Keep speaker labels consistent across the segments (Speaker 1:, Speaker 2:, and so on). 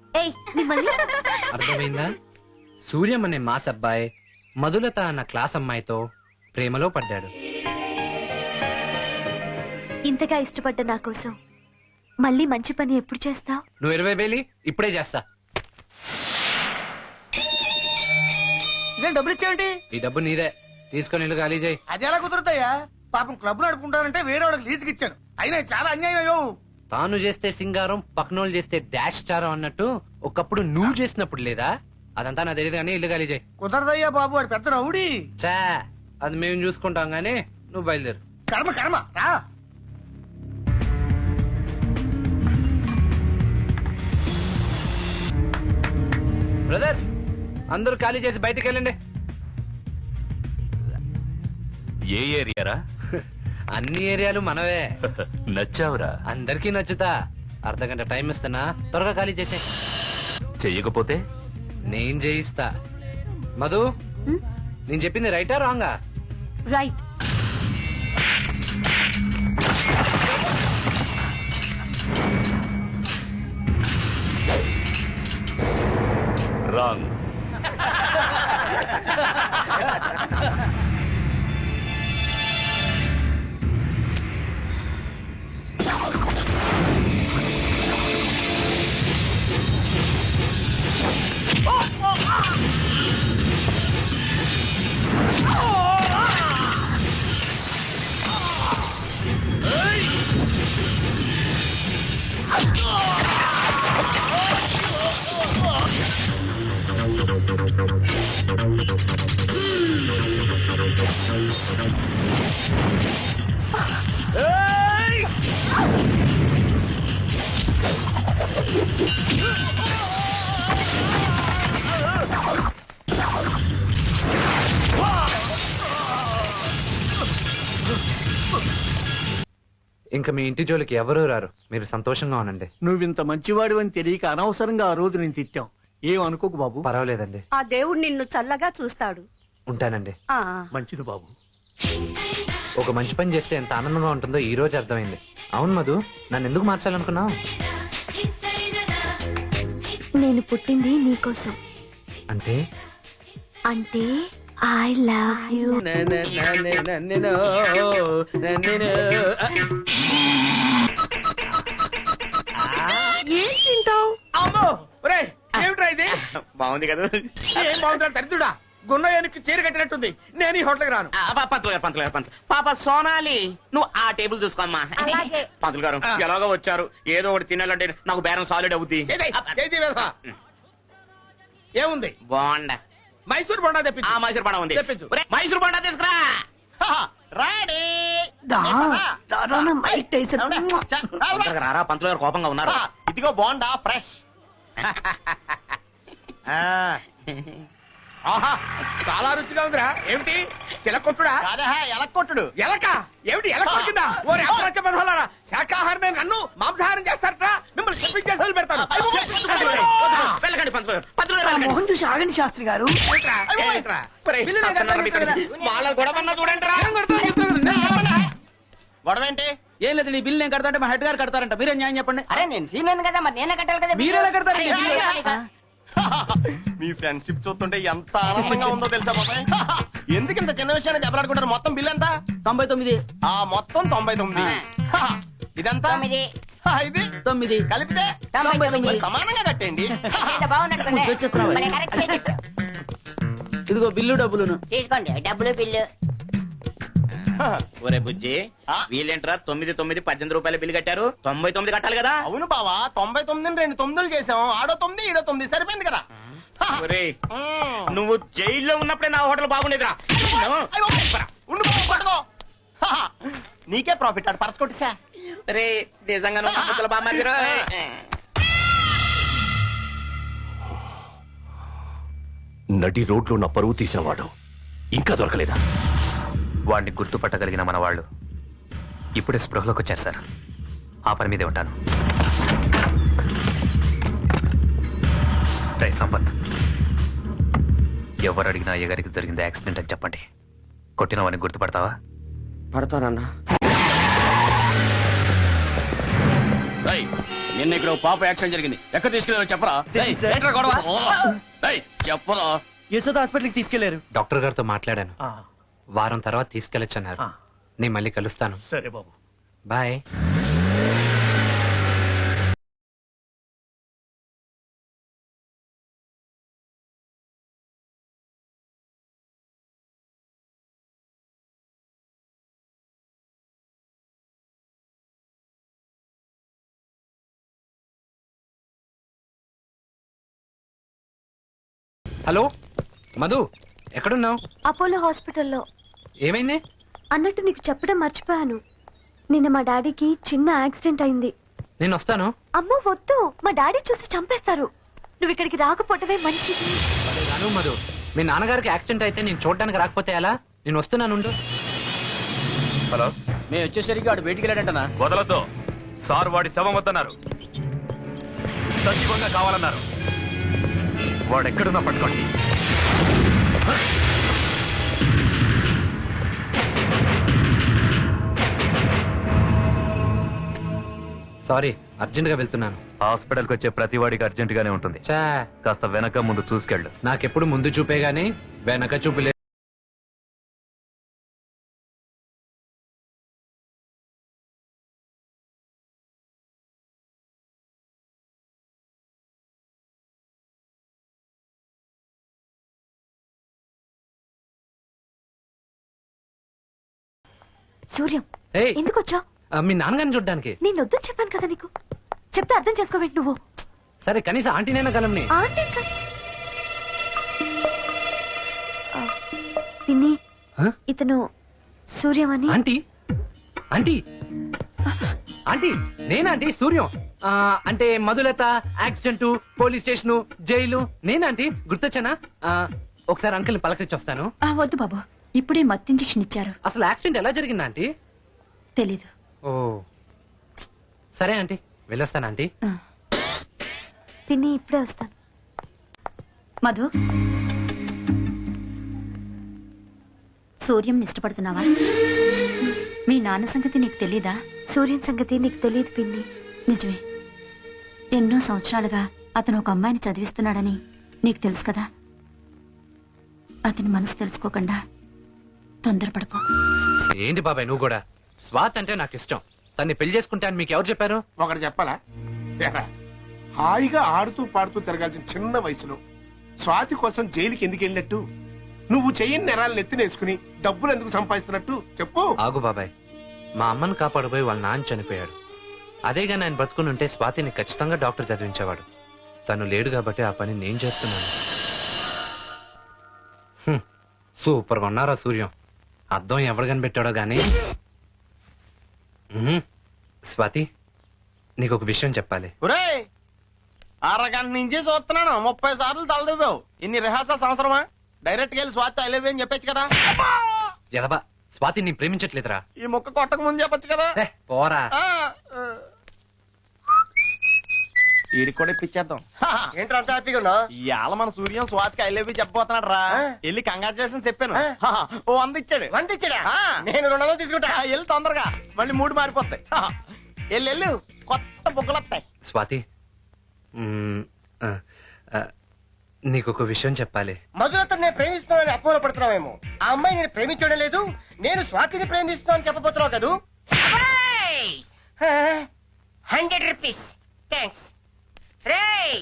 Speaker 1: అర్థమైందా? సూర్యం అనే మాస్ అబ్బాయి మధులత అన్న క్లాస్ అమ్మాయితో ప్రేమలో పడ్డాడు.
Speaker 2: ఇంతగా ఇష్టపడ్డ నా కోసం మళ్ళీ మంచి పని ఎప్పుడు చేస్తావు?
Speaker 1: నువ్వు 20,000 ఇప్పుడే చేస్తా.
Speaker 3: డబ్బులు ఇచ్చేయండి.
Speaker 1: ఈ డబ్బు నీదే, తీసుకొని ఇల్లు ఖాళీ చేయి.
Speaker 3: అది ఎలా కుదురుతాయా? పాపం క్లబ్ నడుపుకుంటానంటే వేరే వాళ్ళకి లీజుకి ఇచ్చాను. అయినా చాలా అన్యాయం అయ్యో.
Speaker 1: తాను చేస్తే సింగారం, పక్కనోళ్ళు చేస్తే డాష్ చారం అన్నట్టు ఒకప్పుడు నువ్వు చేసినప్పుడు లేదా? అదంతా నాకు తెలియదు కానీ ఇల్లు ఖాళీ చేయి.
Speaker 3: కుదరదయ్యా బాబు, వాడు పెద్ద రౌడీ.
Speaker 1: చా, అది మేము చూసుకుంటాం గానీ నువ్వు బయలుదేరు.
Speaker 3: కర్మ కర్మ రా.
Speaker 1: బ్రదర్స్, అందరూ ఖాళీ చేసి బయటికి వెళ్ళండి.
Speaker 4: ఏ ఏరియారా?
Speaker 1: అన్ని ఏరియాలు మనవే.
Speaker 4: నచ్చావురా?
Speaker 1: అందరికీ నచ్చుతా. అర్ధగంట టైం ఇస్తున్నా, త్వరగా ఖాళీ చేసే.
Speaker 4: చెయ్యకపోతే
Speaker 1: నేను చేయిస్తా. మధు, నేను చెప్పింది రైటా రాంగా?
Speaker 2: రైట్.
Speaker 4: రాంగ్.
Speaker 1: ఇంకా మీ ఇంటి జోలికి ఎవరూ రారు. మీరు సంతోషంగా ఉండండి.
Speaker 3: నువ్వింత మంచివాడు అని తెలియక అనవసరంగా ఆ రోజు నేను తిట్టాం. ఏం అనుకోకు బాబు.
Speaker 1: పర్వాలేదండి.
Speaker 5: ఆ దేవుడు నిన్ను చల్లగా చూస్తాడు.
Speaker 1: ఉంటానండి.
Speaker 3: మంచిది బాబు.
Speaker 1: ఒక మంచి పని చేస్తే ఎంత ఆనందంగా ఉంటుందో ఈ రోజు అర్థమైంది. అవును మధు, నన్ను ఎందుకు మార్చాలనుకున్నావు?
Speaker 2: నేను పుట్టింది నీకోసం.
Speaker 1: అంటే
Speaker 2: అంటే ఐ లవ్ యూ.
Speaker 5: ఏం తింటావు?
Speaker 3: అమ్మో ఒరే, ఏమిట్రా ఇది?
Speaker 6: బాగుంది కదా?
Speaker 3: ఏం బాగుందిరా దరిద్రుడా. గున్నయానికి చీర కట్టినట్టుంది. నేను ఈ హోటల్కి రాను.
Speaker 6: పంతులు గారు పాప సోనాలి, నువ్వు ఆ టేబుల్ చూసుకోమ్మా.
Speaker 5: అలాగే.
Speaker 6: పంతులు గారు ఎలాగో వచ్చారు, ఏదో ఒకటి తినాలంటే నాకు బేరం సాలిడ్ అవుద్ది.
Speaker 3: ఏముంది?
Speaker 6: బాగుండా
Speaker 3: మైసూర్ బొండా తెప్పించు.
Speaker 6: ఆ మైసూర్ బొండా ఉంది.
Speaker 3: తెప్పించు.
Speaker 6: ఒరేయ్, మైసూర్ బొండా తీసుకురా. రెడీ. తొందరగా రారా, పంతులు గారు కోపంగా ఉన్నారు.
Speaker 3: ఇదిగో బోండా ఫ్రెష్. ఆహా, చాలా రుచిగా ఉందిరా. ఏమిటి చిలకొట్టుడా?
Speaker 6: ఎలక్కొట్టుడు.
Speaker 3: ఎలక ఏమిటి? ఎలక కొట్టిందా? ఓరే అప్రచ బదలారా, శాకాహారమే నన్ను మాంసాహారం చేస్తారట. మిమ్మల్ని చెప్పించేసి పెడతాను.
Speaker 6: వెళ్ళకండి పంతులు గారు. పంతులు గారు వెళ్ళకండి.
Speaker 3: మోహన్ చూసి ఆగండి శాస్త్రి గారు.
Speaker 6: వాళ్ళ గొడవన్నా చూడండి రా. గొడవ ఏంటి?
Speaker 7: ఏం లేదు, నీ బిల్లు నేను కడతా అంటే మా హెడ్ గారు కడతారంట. మీరే న్యాయం చెప్పండి.
Speaker 5: అరే నేను సీనియర్ కదా, మరి నేనే కట్టాలి కదా.
Speaker 7: మీరేలా కడతారు?
Speaker 6: మీ ఫ్రెండ్షిప్ చూస్తుంటే ఎంత ఆనందంగా ఉందో తెలుసా బాబాయ్? ఎందుకు ఇంత చిన్న విషయాన్ని దెబ్బలాడుకుంటారు? మొత్తం బిల్ ఎంత?
Speaker 7: 99.
Speaker 6: ఆ మొత్తం 99. ఇదంతా
Speaker 5: 9.
Speaker 6: ఇది
Speaker 7: 9
Speaker 6: కలిపితే
Speaker 5: 99.
Speaker 6: మరి సమానంగా కట్టండి.
Speaker 7: వచ్చేస్తున్నావా? ఇదిగో బిల్లు డబ్బులును.
Speaker 5: తీసుకోండి డబ్బులు బిల్లు.
Speaker 6: ఒరే బుజ్జి, వీళ్ళేంట్రా 9 18 రూపాయల బిల్లు కట్టారు? 99 కట్టాలి కదా?
Speaker 3: అవును బావా, 99 2 9 చేసాం. ఆడో 9 ఈడో 9 సరిపోయింది కదా.
Speaker 6: ఒరే, నువ్వు జైల్లో ఉన్నప్పుడే నా హోటల్ బాగుండేదిరా.
Speaker 3: నీకే ప్రాఫిట్. ఆడు పర్స్ కొట్టిసా.
Speaker 6: రే నిజంగా నువ్వు హోటల్ బాగా మారిరా.
Speaker 4: నడి రోడ్లో నా పరువు తీసినవాడు ఇంకా దొరకలేదా?
Speaker 8: వాడిని గుర్తుపట్టగలిగిన మన వాళ్ళు ఇప్పుడే స్పృహలోకి వచ్చారు సార్. ఆ పని మీదే ఉంటాను. రే సంపత్, ఎవరు అడిగినా అయ్యగారికి జరిగింది యాక్సిడెంట్ అని చెప్పండి. కొట్టిన వాడిని గుర్తుపడతావా?
Speaker 6: పడతానన్నా.
Speaker 3: నిన్న ఇక్కడ ఓ పాప యాక్సిడెంట్ జరిగింది. ఎక్కడ తీసుకెళ్ళారో చెప్పరా?
Speaker 6: ఏంట్రా గొడవ?
Speaker 3: ఏయ్, చెప్పరా?
Speaker 6: యశోద హాస్పిటల్కి తీసుకెళ్లారు.
Speaker 1: డాక్టర్ గారితో మాట్లాడాను, వారం తర్వాత తీసుకెళ్ళొచ్చన్నారు. నేను మళ్ళీ కలుస్తాను.
Speaker 3: సరే బాబు.
Speaker 1: బాయ్. హలో మధు, ఎక్కడున్నావు?
Speaker 2: అపోలో హాస్పిటల్లో.
Speaker 1: ఏమైంది?
Speaker 2: అన్నట్టు నీకు చెప్పడం మర్చిపోయాను. నిన్న మా డాడీకి చిన్న యాక్సిడెంట్ అయింది.
Speaker 1: నేను వస్తాను.
Speaker 2: అమ్మో వద్దు, మా డాడీ చూసి చంపేస్తారు. నువ్వు ఇక్కడికి రాకపోవటమే మంచిది.
Speaker 1: రాను మధు, మీ నాన్నగారికి యాక్సిడెంట్ అయితే నేను చూడడానికి రాకపోతే ఎలా? నేను వస్తున్నాను.
Speaker 4: హలో,
Speaker 3: మేము వచ్చేసరికి వాడు బయటికి వెళ్ళాడంటనా?
Speaker 4: వదలొద్దు సార్, వాడి శవం వద్దన్నారు. సజీవంగా కావాలన్నారు. వాడెక్కడున్నా పట్టుకోండి.
Speaker 1: సారీ, అర్జెంట్ గా వెళ్తున్నాను.
Speaker 8: హాస్పిటల్కి వచ్చే ప్రతి వాడికి అర్జెంట్ గానే ఉంటుంది.
Speaker 1: చా,
Speaker 8: కాస్త వెనక ముందు చూసుకెళ్ళు.
Speaker 1: నాకెప్పుడు ముందు చూపే గానీ వెనక చూపులే.
Speaker 2: సూర్యం,
Speaker 1: ఏయ్,
Speaker 2: ఎందుకు వచ్చావు?
Speaker 1: మీ నాన్నగారిని చూడ్డానికి.
Speaker 2: నేను వద్దని చెప్పాను కదా నీకు. చెప్తే అర్థం చేసుకోవేంటి నువ్వు?
Speaker 1: సరే, కనీసం ఆంటీనైనా కలంని.
Speaker 2: ఆంటీ కాదు. పిన్ని,
Speaker 1: హ?
Speaker 2: ఇతను సూర్యం అని.
Speaker 1: ఆంటీ ఆంటీ ఆంటీ నేనాంటీ సూర్యం. అంటే Madhulatha accident, police station, jail నేనాంటీ. గుర్తొచ్చానా? ఒకసారి అంకుల్ని పలకరించి వస్తాను.
Speaker 9: వద్దు బాబు, ఇప్పుడే మత్తు ఇంజెక్షన్ ఇచ్చారు.
Speaker 1: అసలు యాక్సిడెంట్ ఎలా జరిగిందా ఆంటీ?
Speaker 9: తెలీదు.
Speaker 1: ఓ సరే ఆంటీ, వెళ్ళొస్తాను ఆంటీ.
Speaker 2: పిన్ని, ఇప్పుడే వస్తాను.
Speaker 9: మధు, సూర్యం ఇష్టపడుతున్నావా? మీ నాన్న సంగతి నీకు తెలీదా?
Speaker 2: సూర్యం సంగతి నీకు తెలియదు పిన్ని.
Speaker 9: నిజమే, ఎన్నో సంవత్సరాలుగా అతను ఒక అమ్మాయిని చదివిస్తున్నాడని నీకు తెలుసు కదా. అతని మనసు తెలుసుకోకుండా తొందరపడకు.
Speaker 1: ఏంటి బాబాయ్ నువ్వు కూడా? స్వాత్ అంటే నాకు ఇష్టం. తన్ని పెళ్లి చేసుకుంటా అని మీకు ఎవరు చెప్పారు?
Speaker 10: ఒకటి చెప్పాలా? ఏరా, హాయిగా ఆడుతూ పాడుతూ తిరగాల్సిన చిన్న వయసులో స్వాతి కోసం జైలుకి ఎందుకు వెళ్ళినట్టు? నువ్వు చెయ్యని నేరాలను ఎత్తినేసుకుని డబ్బులు ఎందుకు సంపాదిస్తున్నట్టు చెప్పు.
Speaker 1: ఆగు బాబాయ్, మా అమ్మను కాపాడబోయి వాళ్ళ నాన్న చనిపోయాడు. అదేగా ఆయన బతుకుని ఉంటే స్వాతిని ఖచ్చితంగా డాక్టర్ చదివించేవాడు. తను లేడు కాబట్టి ఆ పని నేను చేస్తున్నాను. సూపర్గా ఉన్నారా సూర్యం? అద్దం ఎవరు కనిపెట్టాడో గానీ. స్వాతి, నీకు ఒక విషయం చెప్పాలి.
Speaker 6: ఒరేయ్, అరగంట నుంచి చూస్తున్నాను, 30 సార్లు తలదివ్వావు. ఇన్ని రిహార్సల్స్ అవసరమా? డైరెక్ట్ గా వెళ్ళి స్వాతి ఐ లవ్ యూ అని చెప్పొచ్చు కదా.
Speaker 1: ఎదబా, స్వాతి నీ ప్రేమించట్లేదురా.
Speaker 6: ఈ ముక్క కొట్టక ముందు చెప్పొచ్చు కదా.
Speaker 1: పోరా.
Speaker 6: వీడికి కూడా ఇప్పించేద్దాం.
Speaker 5: ఏంట్రా అంత హ్యాపీగా ఉన్నావు?
Speaker 6: ఇవాళ మన సూర్యం స్వాతికి ఐ లవ్ యూ చెప్పబోతున్నాడు రా. వెళ్ళి కంగ్రాచులేషన్ చెప్పాను. ఓ 100 ఇచ్చాడు.
Speaker 5: 100 ఇచ్చాడా? నేను 200 తీసుకుంటా.
Speaker 6: వెళ్ళి తొందరగా, మళ్ళీ మూడు మారిపోతాయి. వెళ్ళు, కొత్త బుగ్గలు వస్తాయి.
Speaker 1: స్వాతి, నీకొక విషయం చెప్పాలి.
Speaker 5: మధులతను నేను ప్రేమిస్తున్నానని అపోహలో పడుతున్నావేమో. ఆ అమ్మాయి నేను ప్రేమించడం లేదు, నేను స్వాతిని ప్రేమిస్తున్నాను చెప్పబోతున్నావు కదూ. 100 రూపీస్ థ్యాంక్స్. రేయ్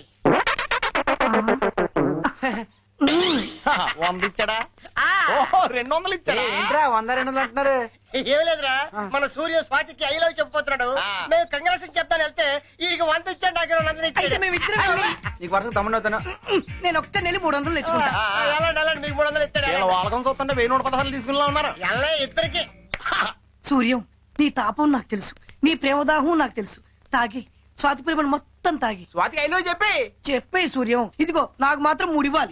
Speaker 6: 100 ఇచ్చాడా? ఓహో 200 ఇచ్చాడా?
Speaker 7: ఏంట్రా 100 200 అంటున్నారు?
Speaker 5: ఏం లేదురా, మన సూర్య స్వాతికి ఐ లవ్ చెప్పబోతున్నాడు. మేము కంగ్రాట్స్ చెప్తాను వెళ్తే వీడికి 100 ఇచ్చాడు, నాకు 200 ఇచ్చాడు.
Speaker 7: నీకు వరుస తమ్ముడు అవుతాను. నేను ఒక్క నెల 300 తెచ్చుకుంటా.
Speaker 5: వెళ్ళండి, మీకు 300 ఇస్తాడు.
Speaker 6: వీళ్ళ వాళ్ళకం చూస్తుంటే 1116 తీసుకునేలా ఉన్నారు.
Speaker 5: ఎలా ఇద్దరికి.
Speaker 11: సూర్యం, నీ తాపం నాకు తెలుసు, నీ ప్రేమదాహం నాకు తెలుసు. తాగి స్వాతి ప్రేమను మొత్తం తాగి
Speaker 6: స్వాతికి ఐ లవ్ చెప్పి
Speaker 11: చెప్పే సూర్యం, ఇదిగో నాకు మాత్రం 3 ఇవ్వాలి.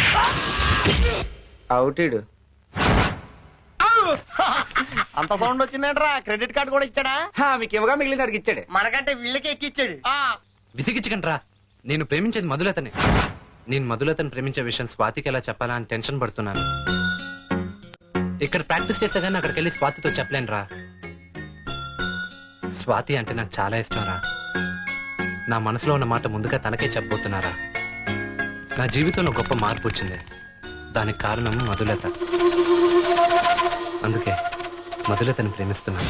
Speaker 7: అవుటీడు
Speaker 6: అంత సౌండ్ వచ్చిందేంట్రా? క్రెడిట్ కార్డు కూడా ఇచ్చాడా?
Speaker 7: మీకు ఇవ్వగా మిగిలిన అడిగి ఇచ్చాడు.
Speaker 5: మనకంటే వీళ్ళకే ఎక్కిచ్చాడు.
Speaker 1: విసిగించకండి రా. నేను ప్రేమించేది మధులతని. నేను మధులతను ప్రేమించే విషయం స్వాతికి ఎలా చెప్పాలా అని టెన్షన్ పడుతున్నాను. ఇక్కడ ప్రాక్టీస్ చేస్తే గానీ అక్కడికి వెళ్ళి స్వాతితో చెప్పలేను రా. స్వాతి అంటే నాకు చాలా ఇష్టం రా. నా మనసులో ఉన్న మాట ముందుగా తనకే చెప్పబోతున్నారా? నా జీవితంలో గొప్ప మార్పు వచ్చింది. దానికి కారణం మధులత. అందుకే మధులతను ప్రేమిస్తున్నాను.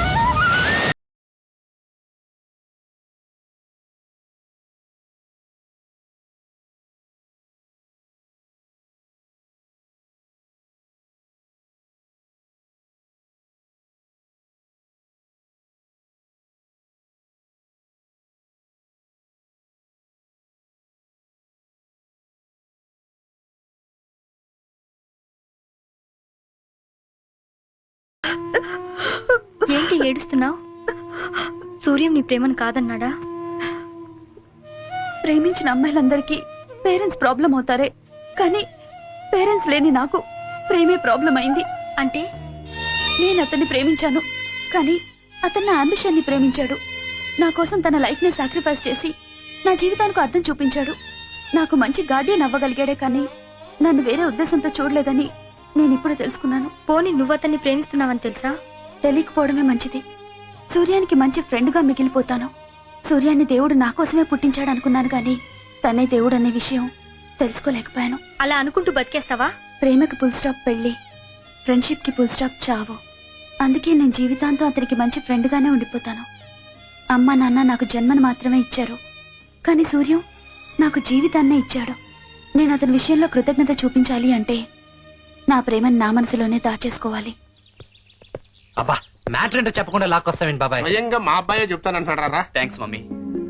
Speaker 2: ఏంటి ఏడుస్తున్నావు? సూర్యం నీ ప్రేమను కాదన్నాడా?
Speaker 9: ప్రేమించిన అమ్మాయిలందరికీ పేరెంట్స్ ప్రాబ్లం అవుతారే, కానీ పేరెంట్స్ లేని నాకు ప్రేమే ప్రాబ్లం అయింది.
Speaker 2: అంటే
Speaker 9: నేను అతన్ని ప్రేమించాను, కానీ అతను నా అంబిషన్ ని ప్రేమించాడు. నా కోసం తన లైఫ్ ని సాక్రిఫైస్ చేసి నా జీవితానికి అర్థం చూపించాడు. నాకు మంచి గార్డియన్ అవ్వగలిగాడే, కానీ నన్ను వేరే ఉద్దేశంతో చూడలేదని నేను ఇప్పుడు తెలుసుకున్నాను.
Speaker 2: పోనీ నువ్వు అతన్ని ప్రేమిస్తున్నావని తెలుసా?
Speaker 9: తెలియకపోవడమే మంచిది. సూర్యానికి మంచి ఫ్రెండ్ గా మిగిలిపోతాను. సూర్యాన్ని దేవుడు నా కోసమే పుట్టించాడు అనుకున్నాను, కానీ తనే దేవుడు అనే విషయం తెలుసుకోలేకపోయాను.
Speaker 2: అలా అనుకుంటూ బతికేస్తావా?
Speaker 9: ప్రేమకి ఫుల్ స్టాప్ పెళ్లి, ఫ్రెండ్షిప్ కి ఫుల్ స్టాప్ చావు. అందుకే నేను జీవితాంతం అతనికి మంచి ఫ్రెండ్ గానే ఉండిపోతాను. అమ్మా నాన్న నాకు జన్మను మాత్రమే ఇచ్చారు, కానీ సూర్యం నాకు జీవితాన్నే ఇచ్చాడు. నేను అతని విషయంలో కృతజ్ఞత చూపించాలి అంటే నా ప్రేమను నా మనసులోనే దాచేసుకోవాలి.
Speaker 1: అబ్బా, మ్యాటర్ ఏంటో చెప్పకుండా లాక్కొస్తావేంటి బాబాయ్?
Speaker 10: స్వయంగా మా అబ్బాయే చెప్తానంటారా?
Speaker 8: Thanks mummy.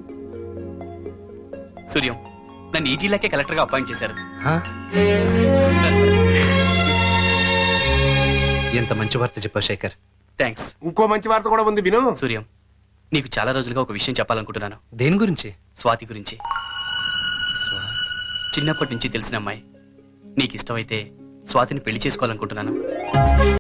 Speaker 8: సూర్యం, నన్ను ఈ జిల్లాకే కలెక్టర్ గా అపాయింట్ చేశారు.
Speaker 1: హా? ఎంత మంచి వార్త చెప్పావు శేఖర్.
Speaker 8: థ్యాంక్స్.
Speaker 10: ఇంకో మంచి వార్త కూడా ఉంది, విను.
Speaker 8: సూర్యం, నీకు చాలా రోజులుగా ఒక విషయం చెప్పాలనుకుంటున్నాను.
Speaker 1: దేని గురించి?
Speaker 8: స్వాతి గురించి. చిన్నప్పటి నుంచి తెలిసిన అమ్మాయి. నీకు ఇష్టమైతే స్వాతిని పెళ్లి చేసుకోవాలనుకుంటున్నాను.